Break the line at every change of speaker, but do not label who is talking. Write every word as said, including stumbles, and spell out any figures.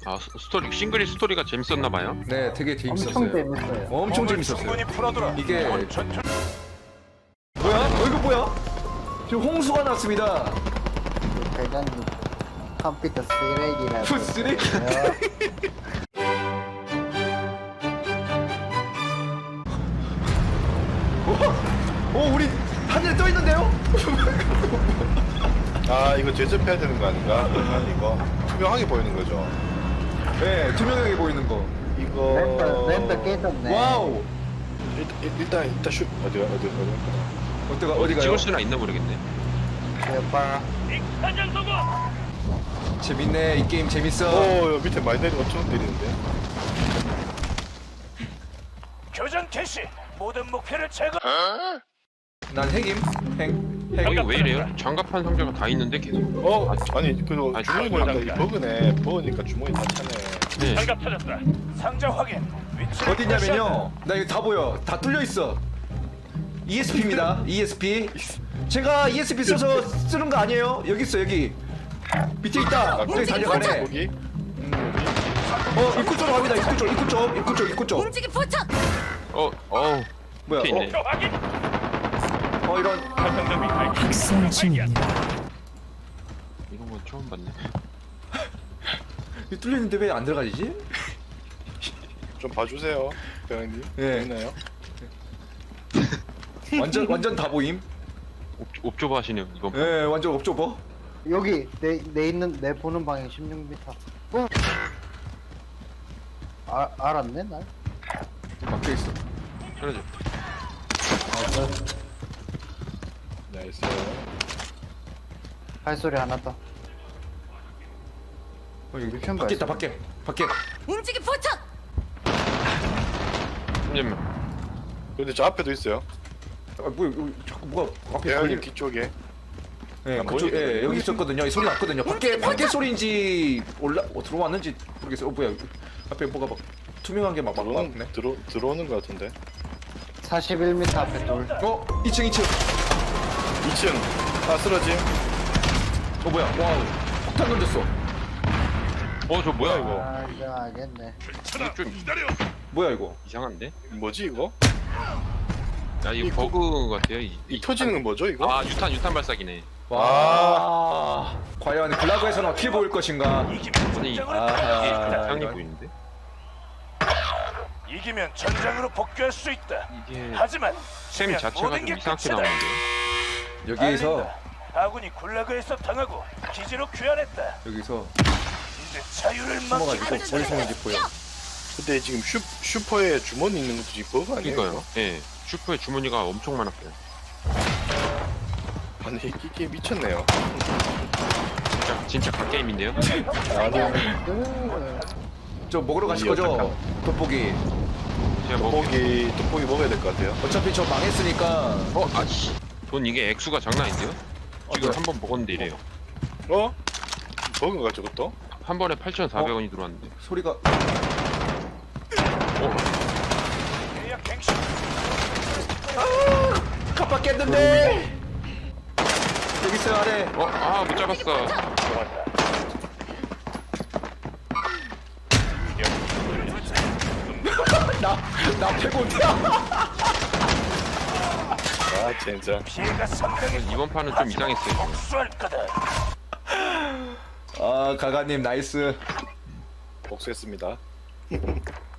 아 스- 스토리 싱글이 스토리가 재밌었나봐요.
네, 되게 재밌었어요.
엄청 재밌어요.
엄청 재밌었어요.
충분히 풀어둬라.
이게
전투
뭐야? 어, 이거 뭐야? 지금 홍수가 났습니다.
대장님 컴퓨터 쓰레기라고.
푸 쓰레기. 오, 오, 우리 하늘에 떠 있는데요?
아 이거 제접해야 되는 거 아닌가? 아니, 이거 투명하게 보이는 거죠.
네, 투명하게 보이는 거.
이거
랜더 랜더 깨졌네.
와우.
일단 일단 일단 슛 어디가 어디 어디
어디가
어디
어디가요?
찍을 수나 있나 모르겠네.
대박.
재밌네. 이 게임 재밌어.
오 밑에 많이 내리 엄청 때리는데.
교전 개시. 모든 목표를 제거.
난 핵임. 핵. 핵.
여기 왜 이래요? 장갑판 상자가 다 있는데 계속.
어 아니 그리고
아,
주머니
아,
보니까 이 버그네. 버그니까 주머니 다 차네.
네.
장갑 찾았다. 상자 확인. 위치
어디냐면요. 나 여기 다 보여. 다 뚫려 있어. 이에스피입니다. 이에스피. 제가 이에스피 써서 쓰는 거 아니에요? 여기 있어 여기. 밑에 있다.
아,
저기 달려가네.
거기?
어 입구 쪽으로 갑니다. 입구 쪽, 입구 쪽, 입구 쪽, 입구 쪽.
움직임 포착!
어, 어,
뭐야?
밑에 있네.
어,
확인.
어 이런.
학살 중입니다.
이런 건 처음 봤네.
이 뚫려 있는데 왜 안 들어가지지?
좀 봐주세요, 병님.
예.
있나요?
완전 완전 다 보임.
옵, 옵조버 하시네요 이번 판.
예, 완전 업줘봐.
여기 내 내 있는 내 보는 방향 십육 미터. 어? 아 알았네 날.
막혀 있어.
그러죠.
나이스.
발소리 안 났다.
어 여기
미션
밖에 있다.
발사.
밖에. 밖에.
움직임 포착!
잠시만.
근데 저 앞에도 있어요.
아 뭐야? 여기 자꾸 뭐가 앞에
대현님
걸리.
뒤쪽에.
예,
안
그쪽,
보이네.
예, 여기 있었거든요. 이 소리 났거든요. 밖에 밖에 소리인지 올라 어, 들어왔는지 모르겠어요. 어 뭐야? 앞에 뭐가 막 투명한 게 막 막
들어오는
막네.
들어 들어오는 거 같은데.
사십일 미터 앞에 돌.
어, 이 층, 이 층.
이 층. 아 쓰러짐.
어 뭐야? 와우. 폭탄 던졌어.
어, 저 뭐야 이거?
아 이제 알겠네.
이거 좀
뭐야 이거?
이상한데?
뭐지 이거?
아 이거
이
버그 같아요. 이,
이 터지는 건 뭐죠 이거?
아 유탄 유탄 발사기네.
와. 과연 글라그에서는 어떻게 보일 것인가?
이기면
아니
전장으로
아하.
이게
복귀했다.
상이
이런.
보이는데?
이기면 전장으로 복귀할 수 있다.
이게
하지만
셈
지면
자체가
모든
좀
게
이상하게
끝이다.
나오는데.
여기에서
알린다. 아군이 굴라그에서 당하고 기지로 귀환했다.
여기서
이제 자유를
숨어가지고
맡기고
어디 있는지 보여.
근데 지금 슈 슈퍼에 주머니 있는 것도 지금 버그 아니에요?
그러니까요. 예. 슈퍼에 주머니가 엄청 많았어요.
이거? 아니 이게 미쳤네요.
진짜 진짜 갓게임인데요?
아니
으,
저 먹으러 가실 거죠? 돋보기.
제가 뭐
떡볶이 떡볶이 먹어야 될 것 같아요.
어차피 저 망했으니까.
어, 아씨. 돈 이게 액수가 장난 아닌데요? 지금
네.
한 번 먹었는데 이래요.
어? 버그인가 저것도?
한 번에 팔천사백 원이 들어왔는데.
소리가.
어,
계약 갱신.
깜빡했는데. 여기 있어요 아래.
어, 아, 못 잡았어.
나나 패고야.
아 진짜.
피해가 상당히
이번 판은 좀 이상했어요.
복수할 거다.
아 가가님 나이스.
복수했습니다.